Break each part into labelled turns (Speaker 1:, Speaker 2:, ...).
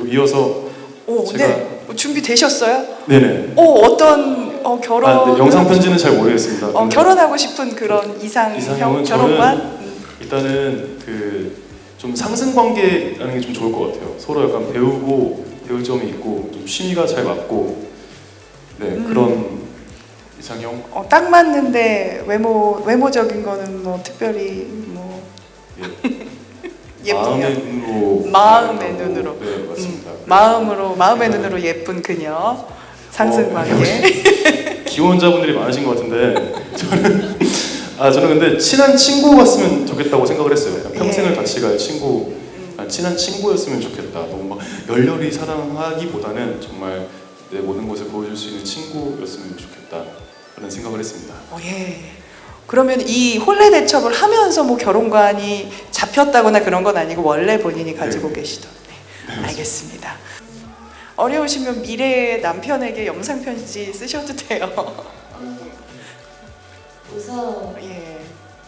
Speaker 1: 이어서 제가
Speaker 2: 네. 준비되셨어요?
Speaker 1: 네네.
Speaker 2: 어떤 결혼
Speaker 1: 네, 영상 편지는 잘 모르겠습니다.
Speaker 2: 결혼하고 싶은 그런 이상형 결혼관?
Speaker 1: 일단은 좀 상승 관계라는 게 좀 좋을 것 같아요. 서로 약간 배울 점이 있고 좀 취미가 잘 맞고 그런 이상형.
Speaker 2: 딱 맞는데 외모적인 거는 뭐 특별히 뭐 예쁘면 마음의 눈으로.
Speaker 1: 네 맞습니다.
Speaker 2: 마음의 눈으로 예쁜 그녀 상승 관계.
Speaker 1: 기혼자분들이 많으신 것 같은데 저는 근데 친한 친구 같으면 좋겠다고 생각을 했어요. 평생을 같이 갈 친구, 친한 친구였으면 좋겠다. 너무 막 열렬히 사랑하기보다는 정말 내 모든 것을 보여줄 수 있는 친구였으면 좋겠다 라는 생각을 했습니다.
Speaker 2: 예. 그러면 이 혼례 대첩을 하면서 뭐 결혼관이 잡혔다거나 그런 건 아니고 원래 본인이 가지고 계시던. 네. 알겠습니다. 어려우시면 미래의 남편에게 영상 편지 쓰셔도 돼요.
Speaker 3: 우선
Speaker 2: 예.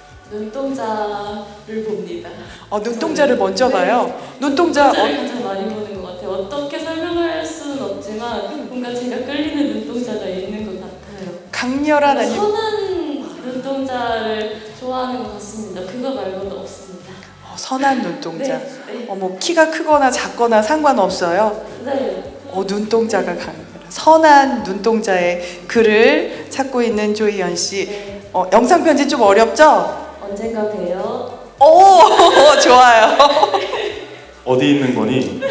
Speaker 3: 눈동자를 봅니다.
Speaker 2: 눈동자를 먼저 봐요. 눈동자
Speaker 3: 눈동자를 가장 많이 보는 것 같아요. 어떻게 설명할 수는 없지만 뭔가 제가 끌리는 눈동자가 있는 것 같아요.
Speaker 2: 강렬한 아니
Speaker 3: 선한 눈동자를 좋아하는 것 같습니다. 그거 말고는 없습니다.
Speaker 2: 선한 눈동자.
Speaker 3: 네.
Speaker 2: 뭐 키가 크거나 작거나 상관없어요.
Speaker 3: 네.
Speaker 2: 눈동자가 선한 눈동자의 글을 찾고 있는 조희연 씨.
Speaker 3: 네.
Speaker 2: 영상 편지 좀 어렵죠?
Speaker 3: 언젠가 봬요.
Speaker 2: 좋아요.
Speaker 1: 어디 있는 거니?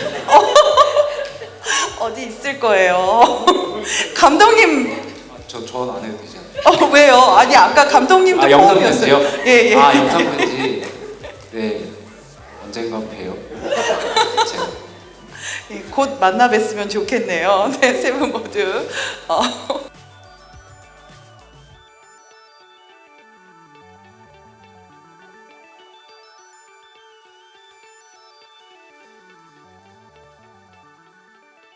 Speaker 2: 어디 있을 거예요. 감독님.
Speaker 4: 전 안 해도 되지 않나요?
Speaker 2: 왜요? 아니 아까 감독님도
Speaker 4: 영상
Speaker 2: 포함이었어요.
Speaker 4: 편지요?
Speaker 2: 예.
Speaker 4: 영상 편지. 네, 언젠가 봬요.
Speaker 2: 곧 만나 뵀으면 좋겠네요. 네, 세 분 모두.